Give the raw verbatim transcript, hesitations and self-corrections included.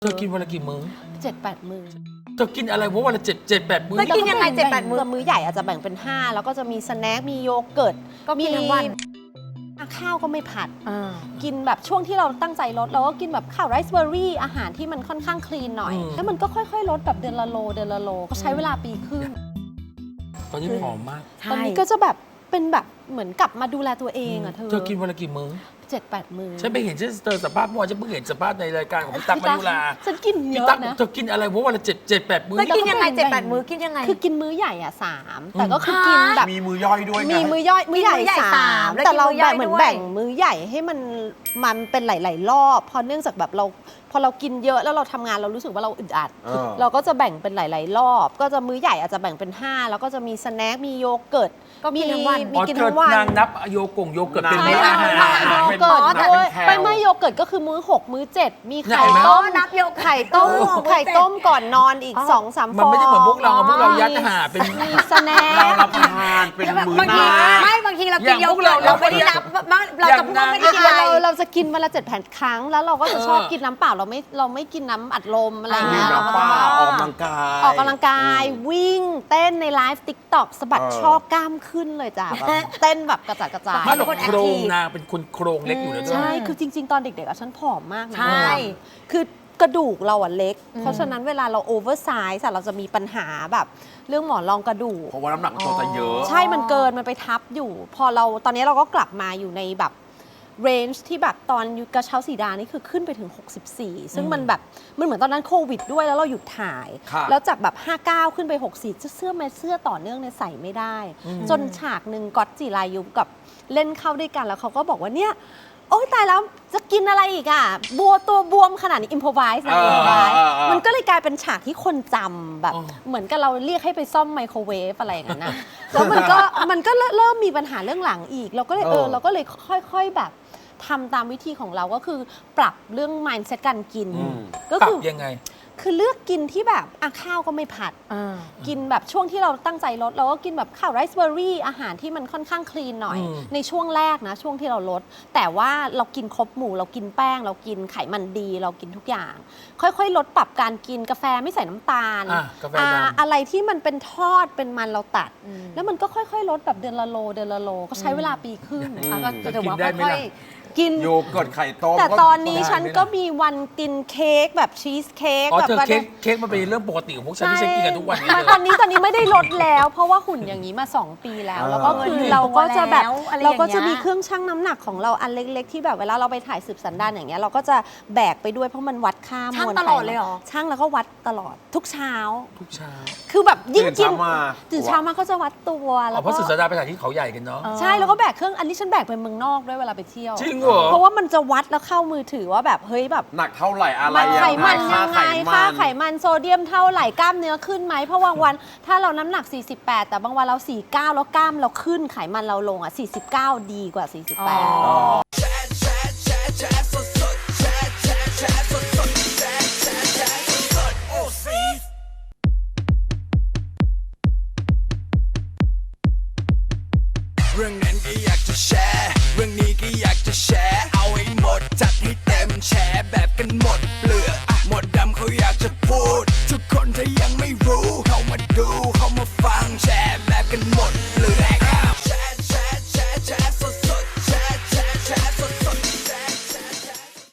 เธอกินวันละกี่มื้อเจ็ดแปดมื้อเธอกินอะไรวะวันละเจ็ดเจ็ดแปดมื้อแล้วกินยังไงเจ็ดแปดมื้อมื้อใหญ่อาจจะแบ่งเป็นห้าแล้วก็จะมีสแน็คมีโยเกิร์ตก็มีทั้งวันข้าวก็ไม่ผัดกินแบบช่วงที่เราตั้งใจลดเราก็กินแบบข้าวไรซ์เบอร์รี่อาหารที่มันค่อนข้างคลีนหน่อยแล้วมันก็ค่อยๆลดแบบเดือนละโลเดือนละโลก็ใช้เวลาปีครึ่งตอนนี้ผอมมากตอนนี้ก็จะแบบเป็นแบบเหมือนกลับมาดูแลตัวเองอ่ะเธอเธอกินวันละกี่มื้อเจ็ดแปดมื้อฉันไปเห็นฉันเจอสัมภาษณ์เมื่อวานฉันเพิ่งเห็นสัมภาษณ์ในรายการของพี่ตั๊กมายุราฉันกินเยอะนะเธอกินอะไรวะวันละเจ็ดเจ็ดแปดมื้อแล้วกินยังไงเจ็ดแปดมื้อกินยังไงคือกินมื้อใหญ่อ่ะสามแต่ก็คือกินแบบมีมื้อย่อยด้วยมีมื้อย่อยมื้อใหญ่สามแต่เราแบ่งเหมือนแบ่งมื้อใหญ่ให้มันมันเป็นหลายๆรอบพอเนื่องจากแบบเราพอเรากินเยอะแล้วเราทำงานเรารู้สึกว่าเราอึดอัดเราก็จะแบ่งเป็นหลายๆรอบก็จะมื้อใหญ่อาจจะแบ่งเป็นห้าแล้วก็จะมีสแน็คมีโยเกิร์ตก็มีทั้งวันมีกินทั้งวันนางนับโยกงโยเกิร์ตเป็นมื้ออาหารโยเกิร์ตด้วยไม่ไม่โยเกิร์ตก็คือมื้อหกมื้อเจ็ดมีไข่ต้มนับโยไข่ต้มไข่ต้มก่อนนอนอีกสองสามฟองมันไม่ได้เหมือนพวกเราพวกเรายัดหาเป็นมีสแน็คเรารับประทานเป็นมื้อนาไม่บางทีเรากินโยเกิร์ตเราไม่ได้นับเราจะพูดไม่ได้กินอะไรเราจะกินวันละเจ็ดแผ่นครั้งแล้วเราก็จะชอบกินน้ำเปล่าเราไม่เราไม่กินน้ำอัดลมอะไรเงี้ยเราก็ออกกำลังกายออกกำลังกายวิ่งเต้นในไลฟ์ติ๊กต็อกสะบัดช่อกล้ามขึ้นเลยจ้ะเต้นแบบกระจัดกระจายไม่หรอกโครงนางเป็นคนโครงเล็กอยู่นะใช่คือจริงๆตอนเด็กๆอ่ะฉันผอมมากนะใช่คือกระดูกเราอ่ะเล็กเพราะฉะนั้นเวลาเราโอเวอร์ไซส์เราจะมีปัญหาแบบเรื่องหมอนรองกระดูกเพราะว่าน้ำหนักตัวจะเยอะใช่มันเกินมันไปทับอยู่พอเราตอนนี้เราก็กลับมาอยู่ในแบบเรนจ์ที่แบบตอนกระเช้าสีดานี่คือขึ้นไปถึงหกสิบสี่ซึ่งมันแบบมันเหมือนตอนนั้นโควิดด้วยแล้วเราหยุดถ่ายแล้วจากแบบห้าสิบเก้าขึ้นไปหกสิบเสื้อแมเสื้อต่อเนื่องเนี่ยใส่ไม่ได้จนฉากหนึ่งก๊อตจิรายุกับเล่นเข้าด้วยกันแล้วเขาก็บอกว่าเนี่ยโอ้ยตายแล้วจะกินอะไรอีกอ่ะบัวตัวบวมขนาดนี้อิมพอไวส์นะอิมพอไวส์มันก็เลยกลายเป็นฉากที่คนจำแบบเหมือนกับเราเรียกให้ไปซ่อมไมโครเวฟอะไรอย่างนั้นนะแล้วมันก็มันก็เริ่มมีปัญหาเรื่องหลังอีกเราก็เลยเออเราก็เลยค่อยๆแบบทำตามวิธีของเราก็คือปรับเรื่อง mindset การกินก็คือยังไงคือเลือกกินที่แบบอ่ะข้าวก็ไม่ผัดกินแบบช่วงที่เราตั้งใจลดเราก็กินแบบข้าวไรซ์เบอร์รี่อาหารที่มันค่อนข้างคลีนหน่อยในช่วงแรกนะช่วงที่เราลดแต่ว่าเรากินครบหมู่เรากินแป้งเรากินไขมันดีเรากินทุกอย่าง ค่อยๆลดปรับการกินกาแฟไม่ใส่น้ำตาลอ, อะไรที่มันเป็นทอดเป็นมันเราตัดแล้วมันก็ค่อยๆลดแบบเดือนละโลเดือนละโลก็ใช้เวลาปีครึ่งก็จะถือว่าค่อยกินโยเกิร์ตไข่ต้มแต่ตอนนี้ฉันก็มีวันกินเค้กแบบชีสเค้กแบบเค้กเค้กมันเป็นเรื่องปกติของพวกฉันที่ฉันกินกันทุกวันนี้ตอนนี้ตอนนี้ไม่ได้ลดแล้วเพราะว่าหุ่นอย่างนี้มาสองปีแล้วแล้วก็คือเราก็จะแบบเราก็จะมีเครื่องชั่งน้ำหนักของเราอันเล็กๆที่แบบเวลาเราไปถ่ายสืบสันดานอย่างเงี้ยเราก็จะแบกไปด้วยเพราะมันวัดค่ามวลชั่งตลอดเลยเหรอชั่งแล้วก็วัดตลอดทุกเช้าทุกเช้าคือแบบยิ่งกินตื่นเช้ามาก็จะวัดตัวแล้วเพราะสืบสันดานไปถ่ายที่เขาใหญ่กันเนาะใช่แล้วก็แบกเครื่องอันนี้ฉันแบกไปเมืองนอกด้วยเวลาไปเที่ยวจริงเหรอเพราะว่ามันจะวัดแล้วเข้ามือถือว่าแบบเฮ้ยแบบหนักเท่าไหร่อะไรไขมันยังไงค่าไขมันโซเดียมเท่าไหร่กล้ามเนื้อขึ้นไหมเพราะบางวันถ้าเราน้ำหนักสี่สิบแปดแต่บางวันเราสี่สิบเก้าแล้วกล้ามเราขึ้นไขมันเราลงอ่ะสี่สิบเก้าดีกว่าสี่สิบแปด